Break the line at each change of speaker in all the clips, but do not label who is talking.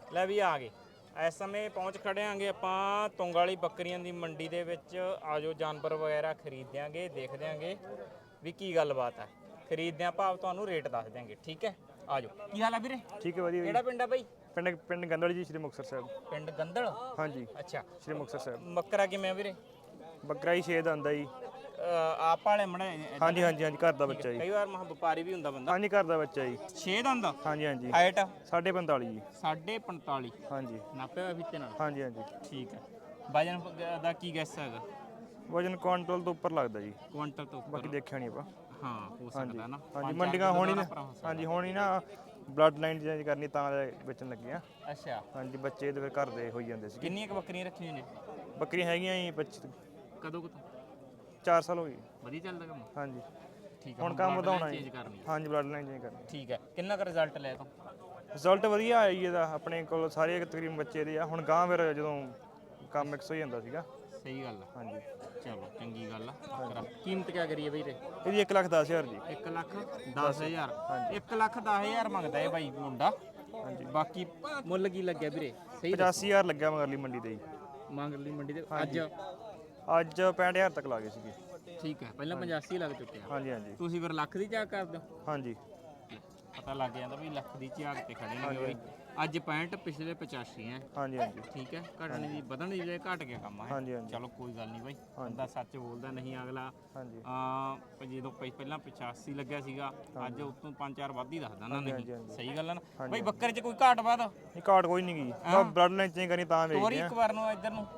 ਲੈ ਵੀ ਆ ਗਏ ਇਸ ਸਮੇਂ ਪਹੁੰਚ ਖੜੇ ਆਂਗੇ ਆਪਾਂ ਤੁੰਗ ਵਾਲੀ ਬੱਕਰੀਆਂ ਦੀ ਮੰਡੀ ਦੇ ਵਿੱਚ। ਆਜੋ ਜਾਨਵਰ ਵਗੈਰਾ ਖਰੀਦ ਦਿਆਂਗੇ, ਦੇਖ ਦਿਆਂਗੇ ਵੀ ਕੀ ਗੱਲਬਾਤ ਹੈ। ਖਰੀਦਦਿਆਂ ਭਾਵ ਤੁਹਾਨੂੰ ਰੇਟ ਦੱਸ ਦਿਆਂਗੇ, ਠੀਕ ਹੈ। ਆਜੋ। ਕੀ ਹਾਲ ਆ ਵੀਰੇ?
ਠੀਕ ਹੈ ਵਧੀਆ।
ਕਿਹੜਾ ਪਿੰਡ ਆ ਬਾਈ?
ਪਿੰਡ ਗੰਦਲ ਜੀ, ਸ਼੍ਰੀ ਮੁਕਤਸਰ ਸਾਹਿਬ।
ਪਿੰਡ ਗੰਦਲ?
ਹਾਂਜੀ
ਅੱਛਾ,
ਸ਼੍ਰੀ ਮੁਕਤਸਰ ਸਾਹਿਬ।
ਬੱਕਰਾ ਕਿਵੇਂ ਆ ਵੀਰੇ?
ਬੱਕਰਾ ਹੀ 6 ਦਾ ਆਂਦਾ ਜੀ।
ਆਪ ਵਾਲੇ ਮੜਾ?
ਹਾਂਜੀ ਹਾਂਜੀ ਹਾਂਜੀ, ਘਰ ਦਾ ਬੱਚਾ ਜੀ।
ਕਈ ਵਾਰ ਮਹਾ ਵਪਾਰੀ ਵੀ ਹੁੰਦਾ ਬੰਦਾ।
ਹਾਂਜੀ ਘਰ ਦਾ ਬੱਚਾ ਜੀ।
6 ਦਾ ਹੁੰਦਾ?
ਹਾਂਜੀ ਹਾਂਜੀ।
ਹਾਈਟ
45.5 ਜੀ।
45.5?
ਹਾਂਜੀ
ਨਾਪਿਆ ਹੋਇਆ ਫੀਤੇ ਨਾਲ?
ਹਾਂਜੀ ਹਾਂਜੀ।
ਠੀਕ ਹੈ। ਵਜਨ ਦਾ ਕੀ ਗੈਸ ਹੈਗਾ?
ਵਜਨ ਕੁਆਂਟਲ ਤੋਂ ਉੱਪਰ ਲੱਗਦਾ ਜੀ।
ਕੁਆਂਟਲ ਤੋਂ ਉੱਪਰ?
ਬਾਕੀ ਦੇਖਿਆ ਨਹੀਂ ਆਪਾਂ।
ਹਾਂ ਹੋ ਸਕਦਾ ਨਾ।
ਹਾਂਜੀ ਮੰਡੀਆਂ ਹੋਣੀ ਨਾ। ਹਾਂਜੀ ਹੋਣੀ ਨਾ, ਬਲੱਡ ਲਾਈਨ ਚੇਂਜ ਕਰਨੀ ਤਾਂ ਵੇਚਣ ਲੱਗੇ ਆ।
ਅੱਛਾ।
ਹਾਂਜੀ ਬੱਚੇ ਤੇ ਫਿਰ ਘਰ ਦੇ ਹੋਈ ਜਾਂਦੇ ਸੀ।
ਕਿੰਨੀਆਂ ਕੁ ਬੱਕਰੀਆਂ ਰੱਖੀਆਂ ਨੇ?
ਬੱਕਰੀਆਂ ਹੈਗੀਆਂ ਜੀ 25।
ਕਦੋਂ ਕੁ
4 ਸਾਲ ਹੋ ਗਏ।
ਵਧੀਆ ਚੱਲਦਾ ਕੰਮ?
ਹਾਂਜੀ।
ਠੀਕ ਹੈ।
ਹੁਣ ਕੰਮ ਵਧਾਉਣਾ
ਚੇਂਜ
ਜੀ।
ਕਰਨੀ?
ਹਾਂਜੀ ਬਲੱਡ ਲਾਈਨ ਚੇਂਜ ਕਰਨੀ।
ਠੀਕ ਹੈ। ਕਿੰਨਾ ਕੁ ਰਿਜ਼ਲਟ ਲਿਆ ਤੂੰ?
ਰਿਜ਼ਲਟ ਵਧੀਆ ਆਇਆ ਜੀ ਇਹਦਾ। ਆਪਣੇ ਕੋਲ ਸਾਰੇ ਤਕਰੀਬਨ ਬੱਚੇ ਦੇ ਆ। ਹੁਣ ਗਾਂ ਫਿਰ ਜਦੋਂ ਕੰਮ ਮਿਕਸ ਹੋ ਜਾਂਦਾ ਸੀਗਾ।
ਸਹੀ ਗੱਲ ਆ।
ਹਾਂਜੀ
ਚਲੋ ਚੰਗੀ ਗੱਲ ਆ। ਕੀਮਤ ਕਿਆ ਕਰੀਏ ਬਈ?
ਇਹਦੀ 1,10,000 ਜੀ।
1,10,000? 1,10,000 ਮੰਗਦਾ ਇਹ ਬਾਈ ਮੁੰਡਾ।
ਹਾਂਜੀ।
ਬਾਕੀ ਮੁੱਲ ਕੀ ਲੱਗਿਆ ਵੀਰੇ? ਸਹੀ
85,000 ਲੱਗਿਆ ਮਗਰਲੀ ਮੰਡੀ ਤੇ ਜੀ।
ਮੰਗਲੀ ਮੰਡੀ ਤੇ ਅੱਜ?
ਅੱਜ 65,000 ਤੱਕ ਲਾ ਗਏ ਸੀਗੇ।
ਠੀਕ ਹੈ। ਪਹਿਲਾਂ 85 ਲੱਗ ਚੁੱਕਿਆ।
ਹਾਂਜੀ ਹਾਂਜੀ।
ਤੁਸੀਂ ਫਿਰ ਲੱਖ ਦੀ ਝਾਕ ਕਰਦੇ ਹੋ?
ਹਾਂਜੀ।
ਪਤਾ ਲੱਗ ਜਾਂਦਾ ਵੀ ਲੱਖ ਦੀ ਝਾਕ ਤੇ ਖੜੇ ਨੇ ਬਈ। ਅੱਜ 65, ਪਿਛਲੇ 85 ਹੈ।
ਹਾਂਜੀ ਹਾਂਜੀ।
ਠੀਕ ਹੈ। ਘਟਣ ਦੀ ਵਧਣ ਦੀ ਬਜਾਏ ਘਟ ਗਿਆ ਕੰਮ ਹੈ।
ਹਾਂਜੀ ਹਾਂਜੀ।
ਚਲੋ ਕੋਈ ਗੱਲ ਨਹੀਂ ਬਾਈ, ਬੰਦਾ ਸੱਚ ਬੋਲਦਾ ਨਹੀਂ ਅਗਲਾ।
ਹਾਂਜੀ
ਜਦੋਂ ਪਹਿਲਾਂ 85 ਲੱਗਿਆ ਸੀਗਾ, ਅੱਜ ਉਤੋਂ 5-4 ਵੱਧ ਹੀ ਦੱਸਦਾ ਨਾ। ਨਹੀਂ
ਹਾਂਜੀ ਹਾਂਜੀ।
ਸਹੀ ਗੱਲ ਹੈ ਨਾ ਬਾਈ? ਬੱਕਰੇ 'ਚ ਕੋਈ ਘਾਟ ਵਾਧ?
ਇਹ ਘਾਟ ਕੋਈ ਨਹੀਂ ਗਈ। ਬਲੱਡ ਲਾਈਨ ਚੇਂਜ ਕਰਨੀ ਤਾਂ ਵੇਚਦੇ
ਤੋਰੀ
ਆ।
ਇੱਕ ਵਾਰ ਨੂੰ ਇੱਧਰ ਨੂੰ।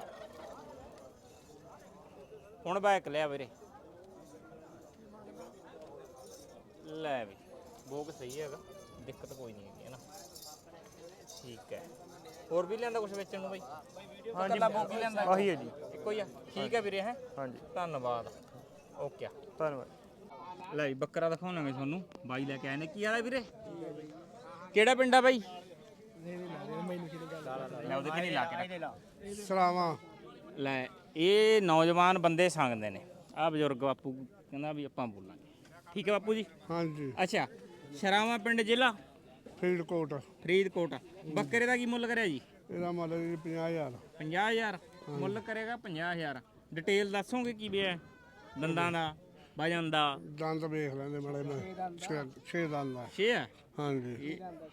ਹੁਣ ਬੈਕ ਲਿਆ ਵੀਰੇ। ਲੈ ਵੀ ਬੋਕ ਸਹੀ ਹੈਗਾ, ਦਿੱਕਤ ਕੋਈ ਨਹੀਂ ਹੈਗੀ ਹੈ ਨਾ। ਠੀਕ ਹੈ। ਹੋਰ ਵੀ ਲਿਆਂਦਾ ਕੁਝ ਵੇਚਣ ਨੂੰ ਬਾਈ?
ਹਾਂਜੀ
ਬੋਕ ਹੀ ਲਿਆਂਦਾ?
ਆਹੀ ਹੈ ਜੀ।
ਇੱਕੋ ਹੀ ਆ? ਠੀਕ ਹੈ ਵੀਰੇ। ਹੈ
ਹਾਂਜੀ
ਧੰਨਵਾਦ। ਓਕੇ
ਧੰਨਵਾਦ।
ਲੈ ਬੱਕਰਾ ਦਿਖਾਉਣਾਂਗੇ ਤੁਹਾਨੂੰ। ਬਾਈ ਲੈ ਕੇ ਆਏ ਨੇ। ਕੀ ਹਾਲ ਹੈ ਵੀਰੇ? ਕਿਹੜਾ ਪਿੰਡ ਆ ਬਾਈ? ਲੈ ਉਹਦੇ ਕਿ ਨਹੀਂ ਲਾ ਕੇ
ਸਲਾਵਾ।
ਲੈ ਇਹ ਨੌਜਵਾਨ ਬੰਦੇ ਸੰਗਦੇ ਨੇ। ਆਹ ਬਜ਼ੁਰਗ ਬਾਪੂ ਕਹਿੰਦਾ ਵੀ ਆਪਾਂ ਬੋਲਾਂਗੇ। ਠੀਕ ਹੈ ਬਾਪੂ ਜੀ?
ਹਾਂਜੀ।
ਅੱਛਾ। ਸ਼ਰਾਵਾ ਪਿੰਡ, ਜ਼ਿਲ੍ਹਾ
ਫਰੀਦਕੋਟ।
ਫਰੀਦਕੋਟ। ਬੱਕਰੇ ਦਾ ਕੀ ਮੁੱਲ ਕਰਿਆ ਜੀ?
ਇਹਦਾ ਮੁੱਲ ਜੀ 50,000।
50,000 ਮੁੱਲ ਕਰੇਗਾ? 50,000। ਡਿਟੇਲ ਦੱਸੋਗੇ ਕੀ ਵੀ ਹੈ? ਦੰਦਾਂ ਦਾ, ਵਜਨ ਦਾ?
ਦੰਦ ਵੇਖ ਲੈਂਦੇ ਮਾੜੇ ਮੈਂ। 6 ਦੰਦ ਆ।
6 ਆ?
ਹਾਂਜੀ।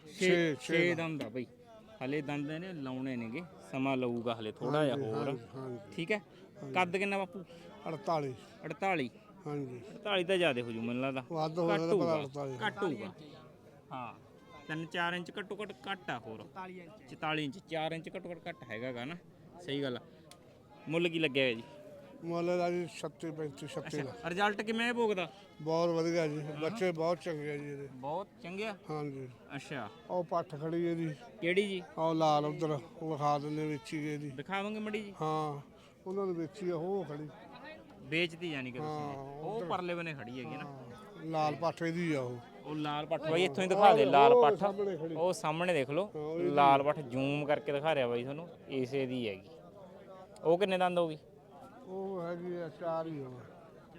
6 ਦੰਦ ਆ ਬਈ। ਹਲੇ ਦੰਦ ਨੇ ਲਾਉਣੇ ਨੇਗੇ, ਸਮਾਂ ਲਊਗਾ ਹਲੇ ਥੋੜਾ ਜਿਹਾ ਹੋਰ। ਠੀਕ ਹੈ। ਕੱਦ ਕਿੰਨਾ ਬਾਪੂ?
48।
48?
ਹਾਂਜੀ।
48 ਤਾਂ ਜ਼ਿਆਦਾ ਹੋ ਜੂ ਮੈਨੂੰ ਲੱਗਦਾ।
ਵੱਧ ਹੋ ਜਾਂਦਾ ਪਰ 48।
ਘੱਟ ਹੋਊਗਾ। ਹਾਂ 3-4 ਇੰਚ ਘੱਟੋ ਘੱਟ ਆ ਹੋਰ। 44 ਇੰਚ 4 ਇੰਚ ਘੱਟੋ ਘੱਟ ਹੈਗਾ ਗਾ ਨਾ। ਸਹੀ ਗੱਲ ਆ। ਮੁੱਲ ਕੀ ਲੱਗਿਆ ਜੀ?
ਮੁੱਲ ਦਾ ਜੀ 36, 35, 36 ਦਾ।
ਰਿਜ਼ਲਟ ਕਿਵੇਂ ਭੋਗਦਾ?
ਬਹੁਤ ਵਧੀਆ ਜੀ। ਬੱਚੇ ਬਹੁਤ ਚੰਗੇ ਆ ਜੀ ਇਹਦੇ।
ਬਹੁਤ ਚੰਗੇ ਆ?
ਹਾਂਜੀ।
ਅੱਛਾ।
ਉਹ ਪੱਠ ਖੜੀ ਇਹਦੀ।
ਕਿਹੜੀ ਜੀ?
ਉਹ ਲਾਲ ਉਧਰ ਉਹ ਵਿਖਾ ਦਿੰਦੇ ਵੇਚੀ ਗਏ ਦੀ।
ਦਿਖਾਵਾਂਗੇ ਮੜੀ ਜੀ।
ਹਾਂ ਉਹਨਾਂ ਨੂੰ ਵੇਚੀ ਆ ਉਹ ਖੜੀ।
ਵੇਚਦੀ ਜਾਨੀ ਕਿ ਤੁਸੀਂ? ਉਹ ਪਰਲੇ ਬਨੇ ਖੜੀ ਹੈਗੀ ਨਾ।
ਲਾਲ ਪੱਠ ਇਹਦੀ ਆ ਉਹ।
ਉਹ ਲਾਲ ਪੱਠ ਬਾਈ ਇੱਥੋਂ ਹੀ ਦਿਖਾ ਦੇ। ਲਾਲ ਪੱਠ ਉਹ ਸਾਹਮਣੇ ਦੇਖ ਲਓ। ਲਾਲ ਪੱਠ ਜ਼ੂਮ ਕਰਕੇ ਦਿਖਾ ਰਿਹਾ ਬਾਈ ਤੁਹਾਨੂੰ। ਇਸੇ ਦੀ ਹੈਗੀ। ਉਹ ਕਿੰਨੇ ਦੰਦ ਹੋਗੀ?
ਉਹ ਹੈਗੀ ਆ 4 ਹੀ ਹੋਣਾ।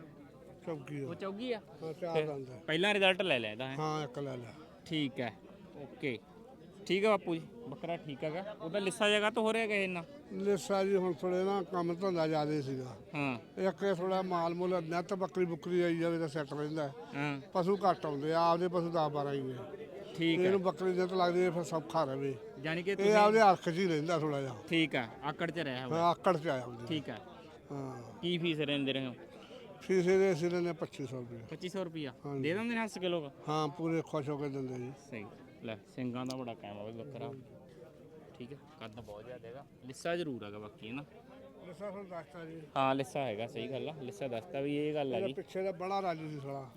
ਚੌਕੀ
ਉਹ ਚੌਗੀ ਆ?
ਹਾਂ 4 ਦੰਦ ਆ।
ਪਹਿਲਾਂ ਰਿਜ਼ਲਟ ਲੈ ਲਿਆ ਇਹਦਾ?
ਹਾਂ ਇੱਕ ਲੈ ਲਿਆ।
ਠੀਕ ਹੈ। ਓਕੇ ਠੀਕ ਹੈ ਬਾਪੂ ਜੀ। ਬੱਕਰਾ ਠੀਕ ਹੈਗਾ। ਉਹਦਾ ਲਿੱਸਾ ਜਗ੍ਹਾ ਤੋਂ ਹੋ ਰਿਹਾ ਕਿਸੇ ਨਾਲ?
ਲਿੱਸਾ ਜੀ ਹੁਣ ਥੋੜੇ ਨਾ ਕੰਮ ਧੰਦਾ ਜ਼ਿਆਦਾ ਸੀਗਾ।
ਹਾਂ
ਇੱਕ ਥੋੜਾ ਮਾਲ ਮੁੱਲ ਨੱਤ ਬੱਕਰੀ ਬੁੱਕਰੀ ਆਈ ਜਾਵੇ ਤਾਂ ਸੈੱਟ ਰਹਿੰਦਾ।
ਹਾਂ
ਪਸ਼ੂ ਘੱਟ ਆਉਂਦੇ ਆ। ਆਪਦੇ ਪਸ਼ੂ 10-12 ਹੀ ਨੇ।
ਠੀਕ ਹੈ।
ਇਹਨੂੰ ਬੱਕਰੀ ਨੱਤ ਲੱਗਦੀ ਹੈ ਫਿਰ ਸੌਖਾ ਰਵੇ।
ਯਾਨੀ ਕਿ
ਇਹ
ਤੁਸੀਂ
ਆਪਦੇ ਹੱਥ 'ਚ ਹੀ ਰਹਿੰਦਾ ਥੋੜਾ ਜਿਹਾ।
ਠੀਕ ਹੈ। ਆਕੜ 'ਚ ਰਿਹਾ ਹੋਇਆ?
ਹਾਂ ਆਕੜ 'ਚ ਆਇਆ ਹੁੰਦੀ।
ਠੀਕ ਹੈ।
ਹਾਂ
ਕੀ ਫੀਸ ਰਹਿੰਦੇ ਰਹੇ ਹੋ?
ਫੀਸ ਇਹਦੇ ਅਸੀਂ ਲੈਂਦੇ 2500 ਰੁਪਏ।
2500 ਰੁਪਿਆ ਦੇ ਦਿੰਦੇ ਨੇ ਹੱਸ ਕਿਲੋ?
ਹਾਂ ਪੂਰੇ ਖੁਸ਼ ਹੋ ਕੇ ਦਿੰਦੇ ਜੀ।
ਸਹੀ। ਲੈ ਸਿੰਘਾਂ ਦਾ ਬੜਾ ਕਾਇਮ ਆ ਬਈ ਬੱਕਰਾ। ਠੀਕ ਹੈ। ਕੱਦ ਬਹੁਤ ਜ਼ਿਆਦਾ ਹੈਗਾ। ਲਿੱਸਾ ਜ਼ਰੂਰ ਹੈਗਾ ਬਾਕੀ ਹੈ ਨਾ।
ਲਿੱਸਾ ਤੁਹਾਨੂੰ ਦੱਸਤਾ ਜੀ।
ਹਾਂ ਲਿੱਸਾ ਹੈਗਾ। ਸਹੀ ਗੱਲ ਆ। ਲਿੱਸਾ ਦੱਸਤਾ ਵੀ ਇਹ ਗੱਲ ਹੈਗੀ।
ਪਿੱਛੇ ਦਾ ਬੜਾ ਰਾਜੂ ਸੀ ਸਾਲਾ।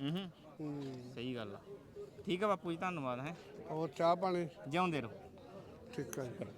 ਸਹੀ ਗੱਲ ਆ। ਠੀਕ ਹੈ ਬਾਪੂ ਜੀ ਧੰਨਵਾਦ। ਹੈ
ਹੋਰ ਚਾਹ ਪਾਣੀ?
ਜਿਉਂਦੇ ਰਹੋ।
ਠੀਕ ਹੈ ਜੀ।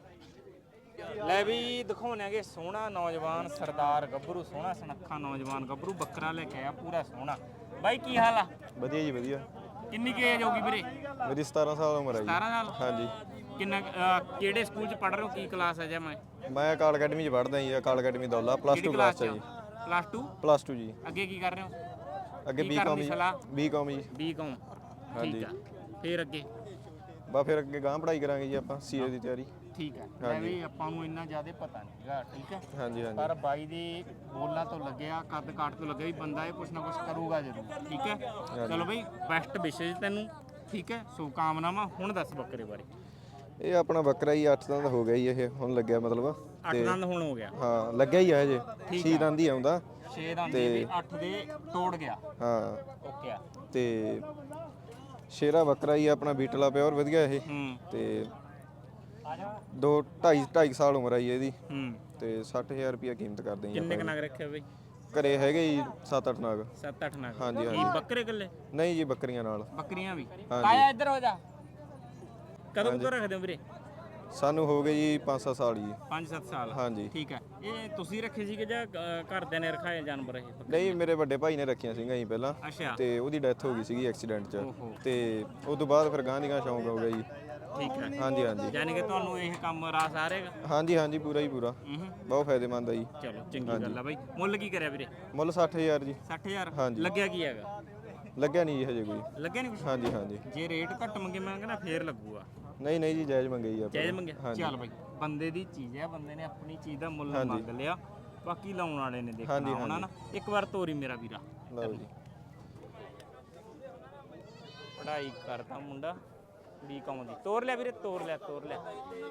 ਲੈ ਵੀ ਦਿਖਾਉਣਾਂਗੇ ਸੋਹਣਾ ਨੌਜਵਾਨ ਸਰਦਾਰ ਗੱਭਰੂ। ਸੋਹਣਾ ਸੁਨੱਖਾ ਨੌਜਵਾਨ ਗੱਭਰੂ ਬੱਕਰਾ ਲੈ ਕੇ ਆਇਆ ਪੂਰਾ ਸੋਹਣਾ। ਬਾਈ ਕੀ ਹਾਲ ਆ?
ਵਧੀਆ ਜੀ ਵਧੀਆ।
ਕਿੰਨੀ ਕੁ ਏਜ ਹੋਗੀ ਵੀਰੇ?
ਮੇਰੀ 17 ਸਾਲ ਉਮਰ ਹੈ ਜੀ।
17 ਸਾਲ?
ਹਾਂਜੀ।
ਕਿੰਨਾ ਕਿਹੜੇ ਸਕੂਲ 'ਚ ਪੜ੍ਹ ਰਹੇ ਹੋ? ਕੀ ਕਲਾਸ ਹੈ? ਮੈਂ
ਅਕਾਲ ਅਕੈਡਮੀ 'ਚ ਪੜ੍ਹਦਾ ਜੀ। Akal academy Daula plus 2 class 'ਚ ਜੀ।
ਪਲੱਸ 2
ਜੀ।
ਅੱਗੇ ਕੀ ਕਰ ਰਹੇ ਹੋ?
ਅੱਗੇ ਬੀਕਾਮ ਜੀ। ਬੀਕਾਮ ਜੀ।
ਬੀਕਾਮ। ਠੀਕ ਆ। ਫਿਰ ਅੱਗੇ
ਬਾ ਫਿਰ ਅੱਗੇ ਗਾਂ ਪੜ੍ਹਾਈ ਕਰਾਂਗੇ ਜੀ ਆਪਾਂ ਸੀਏ ਦੀ ਤਿਆਰੀ।
ਠੀਕ ਹੈ, ਮੈਂ ਵੀ ਆਪਾਂ ਨੂੰ ਇੰਨਾ ਜ਼ਿਆਦਾ ਪਤਾ ਨਹੀਂ ਹੈਗਾ, ਠੀਕ ਹੈ।
ਹਾਂਜੀ ਹਾਂਜੀ
ਪਰ ਬਾਈ ਦੀ ਬੋਲਾਂ ਤੋਂ ਲੱਗਿਆ, ਕੱਦ ਕਾਠ ਤੋਂ ਲੱਗਿਆ ਵੀ ਬੰਦਾ ਇਹ ਕੁਛ ਨਾ ਕੁਛ ਕਰੂਗਾ ਜ਼ਰੂਰ, ਠੀਕ ਹੈ। ਚਲੋ ਬਈ ਬੈਸਟ ਵਿਸ਼ੇਜ ਤੈਨੂੰ, ਠੀਕ ਹੈ, ਸ਼ੁਭਕਾਮਨਾਵਾਂ। ਹੁਣ ਦੱਸ ਬੱਕਰੇ ਬਾਰੇ।
ਇਹ ਆਪਣਾ ਬੱਕਰਾ ਹੀ 8 ਦੰਦ ਹੋ ਗਿਆ ਜੀ, ਇਹ ਹੁਣ ਲੱਗਿਆ ਮਤਲਬ
8 ਦੰਦ ਹੁਣ ਹੋ ਗਿਆ,
ਹਾਂ ਲੱਗਿਆ ਹੀ ਆ ਹਜੇ 6 ਦੰਦ ਹੀ ਆਉਂਦਾ
6 ਦੰਦ ਦੇ 8 ਦੇ ਤੋੜ ਗਿਆ,
ਹਾਂ।
ਓਕੇ ਆ।
ਤੇ ਸ਼ੇਰਾ ਬੱਕਰਾ ਹੀ ਆਪਣਾ ਬੀਟਲਾ ਪਿਓਰ ਵਧੀਆ ਇਹ ਤੇ 2.5 ਸਾਲ ਉਮਰ ਆਈ ਇਹਦੀ ਤੇ 60000 ਰੁਪਇਆ ਕੀਮਤ ਕਰਦੇ ਜੀ
ਕਿੰਨੇ ਕ ਨਗ ਰੱਖਿਆ ਬਈ?
ਘਰੇ ਹੈਗੇ ਜੀ 7-8 ਨਾਗ।
7-8 ਨਗ।
ਹਾਂਜੀ
ਇਹ
ਹਾਂਜੀ
ਬੱਕਰੇ ਇਕੱਲੇ?
ਨਹੀਂ ਜੀ ਬੱਕਰੀਆਂ ਨਾਲ।
ਬੱਕਰੀਆਂ ਵੀ? ਆਇਆ ਇੱਧਰ ਹੋ ਜਾ। ਕਦੋਂ ਕਦੋਂ ਰੱਖਦੇ ਹੋ ਵੀਰੇ?
ਸਾਨੂੰ ਹੋ ਗਏ ਜੀ 5-7 ਸਾਲ ਜੀ।
5-7 ਸਾਲ?
ਹਾਂਜੀ
ਠੀਕ ਹੈ। ਇਹ ਤੁਸੀਂ ਰੱਖੇ ਸੀਗੇ ਜਾਂ ਘਰਦਿਆਂ ਨੇ ਰਖਾਏ ਜਾਨਵਰ ਇਹ?
ਨਹੀਂ ਮੇਰੇ ਵੱਡੇ ਭਾਈ ਨੇ ਰੱਖੀਆਂ ਸੀਗੀਆਂ ਜੀ ਪਹਿਲਾਂ,
ਅੱਛਾ,
ਤੇ ਉਹਦੀ ਡੈਥ ਹੋ ਗਈ ਸੀਗੀ ਐਕਸੀਡੈਂਟ 'ਚ,
ਓਹੋ।
ਤੇ ਉਸ ਤੋਂ ਬਾਅਦ ਫਿਰ ਗਾਂ ਦੀ ਗਾਂ ਸ਼ੌਂਕ ਹੋ ਗਿਆ ਜੀ।
ਠੀਕ ਹੈ।
ਹਾਂਜੀ ਹਾਂਜੀ
ਯਾਨੀ ਕਿ ਤੁਹਾਨੂੰ ਇਹ ਕੰਮ ਰਾਸ ਆ ਰਹੇਗਾ?
ਹਾਂਜੀ ਹਾਂਜੀ ਪੂਰਾ ਹੀ ਪੂਰਾ, ਬਹੁਤ ਫਾਇਦੇਮੰਦ ਆ ਜੀ।
ਚਲੋ ਚੰਗੀ ਗੱਲ ਆ ਬਾਈ। ਮੁੱਲ ਕੀ ਕਰਿਆ ਵੀਰੇ?
ਮੁੱਲ 60000 ਜੀ।
60000?
ਹਾਂਜੀ।
ਲੱਗਿਆ ਕੀ ਹੈਗਾ?
ਲੱਗਿਆ ਨਹੀਂ ਜੀ ਹਜੇ ਕੋਈ।
ਲੱਗਿਆ ਨਹੀਂ ਕੁਛ?
ਹਾਂਜੀ ਹਾਂਜੀ
ਜੇ ਰੇਟ ਘੱਟ ਮੰਗੇ ਮੈਂ ਕਹਿੰਦਾ ਫੇਰ ਲੱਗੂਗਾ।
ਨਹੀਂ ਨਹੀਂ ਜੀ ਜਾਇਜ਼ ਮੰਗੇ ਜੀ ਆਪਾਂ।
ਜਾਇਜ਼ ਮੰਗਿਆ? ਚੱਲ ਬਾਈ, ਬੰਦੇ ਦੀ ਚੀਜ਼ ਹੈ, ਬੰਦੇ ਨੇ ਆਪਣੀ ਚੀਜ਼ ਦਾ ਮੁੱਲ ਮੰਗ ਲਿਆ, ਬਾਕੀ ਲਾਉਣ ਵਾਲੇ ਨੇ ਦੇਖਣਾ ਹੋਣਾ ਨਾ। ਇੱਕ ਵਾਰ ਤੋਰੀ ਮੇਰਾ ਵੀਰਾ।
ਲਓ ਜੀ।
ਪੜ੍ਹਾਈ ਕਰਦਾ ਮੁੰਡਾ, ਬੀਕਾਮ ਦੀ। ਤੋਰ ਲਿਆ ਵੀਰੇ, ਤੋਰ ਲਿਆ, ਤੋਰ ਲਿਆ।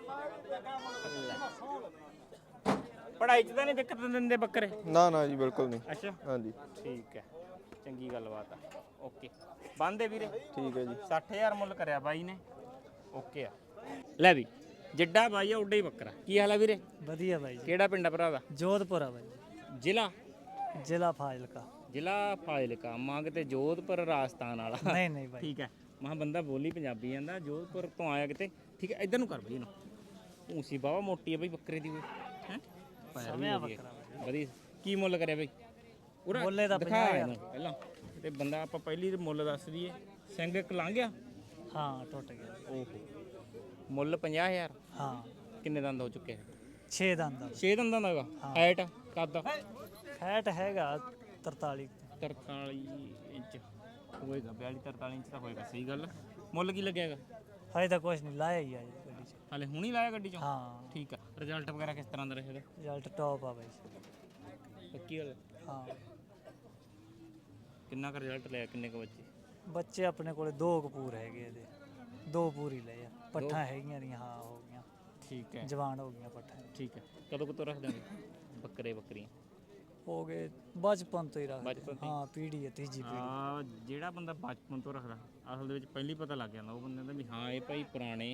ਪੜ੍ਹਾਈ 'ਚ ਤਾਂ ਨਹੀਂ ਦਿੱਕਤ ਦਿੰਦੇ ਬੱਕਰੇ?
ਨਾ ਨਾ ਜੀ ਬਿਲਕੁਲ ਨਹੀਂ।
ਅੱਛਾ,
ਹਾਂਜੀ
ਠੀਕ ਹੈ, ਚੰਗੀ ਗੱਲਬਾਤ ਆ। ਓਕੇ, ਬੰਦੇ ਵੀਰੇ।
ਠੀਕ ਹੈ ਜੀ।
60000 ਮੁੱਲ ਕਰਿਆ ਬਾਈ ਨੇ, ਓਕੇ ਆ। ਲੈ ਵੀ, ਜਿੱਡਾ ਬਾਈ ਆ ਉੱਡਾ ਹੀ ਬੱਕਰਾ। ਕੀ ਹਾਲ ਆ ਵੀਰੇ?
ਵਧੀਆ ਬਾਈ ਜੀ।
ਕਿਹੜਾ ਪਿੰਡ ਆ ਭਰਾ ਦਾ?
ਜੋਧਪੁਰ ਆ ਬਾਈ।
ਜ਼ਿਲ੍ਹਾ?
ਜ਼ਿਲ੍ਹਾ ਫਾਜ਼ਿਲਕਾ।
ਜ਼ਿਲ੍ਹਾ ਫਾਜ਼ਿਲਕਾ। ਮੰਗ ਤੇ ਜੋਧਪੁਰ ਰਾਜਸਥਾਨ ਵਾਲਾ?
ਨਹੀਂ ਨਹੀਂ ਬਾਈ।
ਠੀਕ ਹੈ, ਮਹਾਂ ਬੰਦਾ ਬੋਲੀ ਪੰਜਾਬੀ ਜਾਂਦਾ, ਜੋਧਪੁਰ ਤੋਂ ਆਇਆ ਕਿਤੇ। ਠੀਕ ਹੈ, ਇੱਧਰ ਨੂੰ ਕਰ ਬਈ ਇਹਨੂੰ। ਊਸੀ ਬਾਵਾ ਮੋਟੀ ਆ ਬਈ ਬੱਕਰੇ ਦੀ, ਹੈ
ਸਮਿਆ ਬੱਕਰਾ
ਵਧੀਆ। ਕੀ ਮੁੱਲ ਕਰਿਆ ਬਈ? ਉਹਦਾ
ਮੁੱਲੇ ਦਾ
ਦਿਖਾ ਇਹਨੂੰ ਪਹਿਲਾਂ, ਤੇ ਬੰਦਾ ਆਪਾਂ ਪਹਿਲੀ ਮੁੱਲ ਦੱਸ ਦਈਏ। ਸਿੰਘ ਇੱਕ ਲੰਘ ਗਿਆ?
ਹਾਂ, ਟੁੱਟ ਗਿਆ।
ਓਹੋ, ਮੁੱਲ 50000?
ਹਾਂ।
ਕਿੰਨੇ ਦੰਦ ਹੋ ਚੁੱਕੇ?
6 ਦੰਦ ਦਾ।
6 ਦੰਦਾਂ ਦਾ ਹੈਗਾ? ਹਾਈਟ ਕੱਦ?
ਫੈਟ ਹੈਗਾ 43।
43 ਇੰਚ ਹੋਏਗਾ, 42-43 ਇੰਚ ਤਾਂ ਹੋਏਗਾ। ਸਹੀ ਗੱਲ। ਮੁੱਲ ਕੀ ਲੱਗਿਆ ਹੈਗਾ?
ਹਜੇ ਤਾਂ ਕੁਛ ਨਹੀਂ, ਲਾਇਆ ਹੀ ਆ ਜੀ ਗੱਡੀ 'ਚ।
ਹਾਲੇ ਹੁਣੀ ਲਾਇਆ ਗੱਡੀ 'ਚੋਂ?
ਹਾਂ।
ਠੀਕ ਆ। ਰਿਜ਼ਲਟ ਵਗੈਰਾ ਕਿਸ ਤਰ੍ਹਾਂ ਦਾ ਰਿਹਾ ਇਹਦਾ?
ਰਿਜ਼ਲਟ ਟੌਪ ਆ ਬਾਈ।
ਪੱਕੀ ਗੱਲ?
ਹਾਂ।
ਕਿੰਨਾ ਕੁ ਰਿਜ਼ਲਟ ਲਿਆ? ਕਿੰਨੇ ਕੁ ਬੱਚੇ?
ਬੱਚੇ ਆਪਣੇ ਕੋਲੇ 2 ਕਪੂਰ ਹੈਗੇ ਇਹਦੇ, 2 ਪੂਰੀ ਲਏ ਆ। ਪੱਠਾਂ ਹੈਗੀਆਂ ਦੀਆਂ, ਹਾਂ ਹੋ ਗਈਆਂ,
ਠੀਕ ਹੈ,
ਜਵਾਨ ਹੋ ਗਈਆਂ ਪੱਠਾਂ।
ਠੀਕ ਹੈ। ਕਦੋਂ ਕਦੋਂ ਰੱਖ ਦਾਂਗੇ ਬੱਕਰੇ ਬੱਕਰੀਆਂ?
ਹੋ ਗਏ ਬਚਪਨ ਤੋਂ ਹੀ ਰੱਖਦੇ।
ਬਚਪਨ ਤੋਂ ਹੀ?
ਹਾਂ, ਪੀੜ੍ਹੀ ਹੈ, ਤੀਜੀ ਪੀੜ੍ਹੀ।
ਹਾਂ, ਜਿਹੜਾ ਬੰਦਾ ਬਚਪਨ ਤੋਂ ਰੱਖਦਾ ਅਸਲ ਦੇ ਵਿੱਚ ਪਹਿਲੀ ਪਤਾ ਲੱਗ ਜਾਂਦਾ ਉਹ ਬੰਦੇ ਦਾ ਵੀ ਹਾਂ ਇਹ ਭਾਈ ਪੁਰਾਣੇ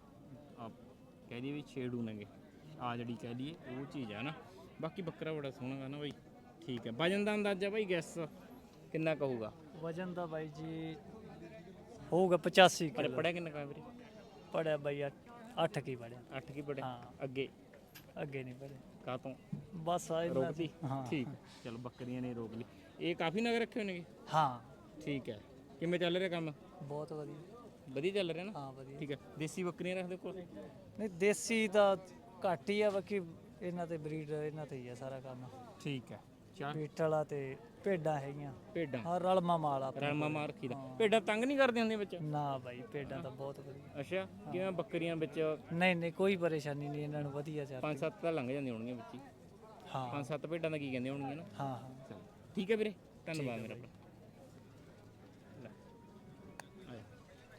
ਕਹਿ ਦਈਏ ਵੀ ਛੇੜੂ ਨੇਗੇ, ਆ ਜਿਹੜੀ ਕਹਿ ਦਈਏ ਉਹ ਚੀਜ਼ ਆ ਨਾ। ਬਾਕੀ ਬੱਕਰਾ ਬੜਾ ਸੋਹਣਾ ਗਾ ਨਾ ਬਾਈ। ਠੀਕ ਹੈ, ਵਜਨ ਦਾ ਅੰਦਾਜ਼ਾ ਬਾਈ ਗੈਸ ਕਿੰਨਾ ਕਹੂਗਾ?
ਵਜਨ ਦਾ ਬਾਈ ਜੀ ਹੋਊਗਾ 85
ਪਰ
ਕਿਲੋ।
ਪੜਿਆ ਕਿੰਨਾ ਕਾ ਵੀਰੇ?
ਪੜਿਆ ਬਾਈ 8 ਕੀ ਪੜਿਆ।
8 ਕੀ ਪੜਿਆ?
ਹਾਂ।
ਅੱਗੇ
ਅੱਗੇ ਨਹੀਂ ਪੜਿਆ।
ਕਾਹ ਤੋਂ
ਬਸ ਆ ਇਹਨਾਂ
ਰੋਕਦੀ?
ਹਾਂ।
ਠੀਕ, ਚਲੋ ਬੱਕਰੀਆਂ ਨੇ ਰੋਕ ਲਈ। ਇਹ ਕਾਫੀ ਨਗ ਰੱਖੇ ਹੋਏ ਨੇਗੇ?
ਹਾਂ,
ਠੀਕ ਹੈ। ਕਿਵੇਂ ਚੱਲ ਰਿਹਾ ਕੰਮ?
ਬਹੁਤ ਵਧੀਆ।
ਵਧੀਆ ਚੱਲ ਰਿਹਾ ਨਾ?
ਹਾਂ, ਵਧੀਆ।
ਠੀਕ ਹੈ। ਦੇਸੀ ਬੱਕਰੀਆਂ ਰੱਖਦੇ ਕੋਲ?
ਨਹੀਂ, ਦੇਸੀ ਤਾਂ ਘੱਟ ਹੀ ਆ, ਬਾਕੀ ਇਹਨਾਂ ਤੇ ਬਰੀਡ ਇਹਨਾਂ ਤੇ ਹੀ ਆ ਸਾਰਾ ਕੰਮ।
ਠੀਕ ਹੈ। ਚਾਰ
ਬੀਟਲਾ ਤੇ ਭੇਡਾਂ ਹੈਗੀਆਂ।
ਭੇਡਾਂ?
ਹਾਂ, ਰਲਮਾ ਮਾਲ ਆ ਆਪਣੇ
ਰਲਮਾ
ਕੋਲ।
ਮਾਰ ਰੱਖੀ ਦਾ। ਭੇਡਾਂ ਤੰਗ ਨਹੀਂ ਕਰਦੀਆਂ ਹੁੰਦੀਆਂ ਵਿੱਚ?
ਨਾ ਬਾਈ, ਭੇਡਾਂ ਤਾਂ ਬਹੁਤ ਵਧੀਆ।
ਅੱਛਾ, ਕਿਵੇਂ ਬੱਕਰੀਆਂ ਵਿੱਚ
ਨਹੀਂ ਨਹੀਂ, ਕੋਈ ਪਰੇਸ਼ਾਨੀ ਨਹੀਂ, ਇਹਨਾਂ ਨੂੰ ਵਧੀਆ ਚੱਲ।
5-7 ਤਾਂ ਲੰਘ ਜਾਂਦੀਆਂ ਹੋਣਗੀਆਂ ਵਿੱਚ ਹੀ?
ਹਾਂ
5-7 ਭੇਡਾਂ ਦਾ ਕੀ ਕਹਿੰਦੇ ਹੋਣਗੀਆਂ ਨਾ?
ਹਾਂ ਹਾਂ।
ਠੀਕ ਹੈ ਵੀਰੇ, ਧੰਨਵਾਦ ਮੇਰਾ ਭਰਾ।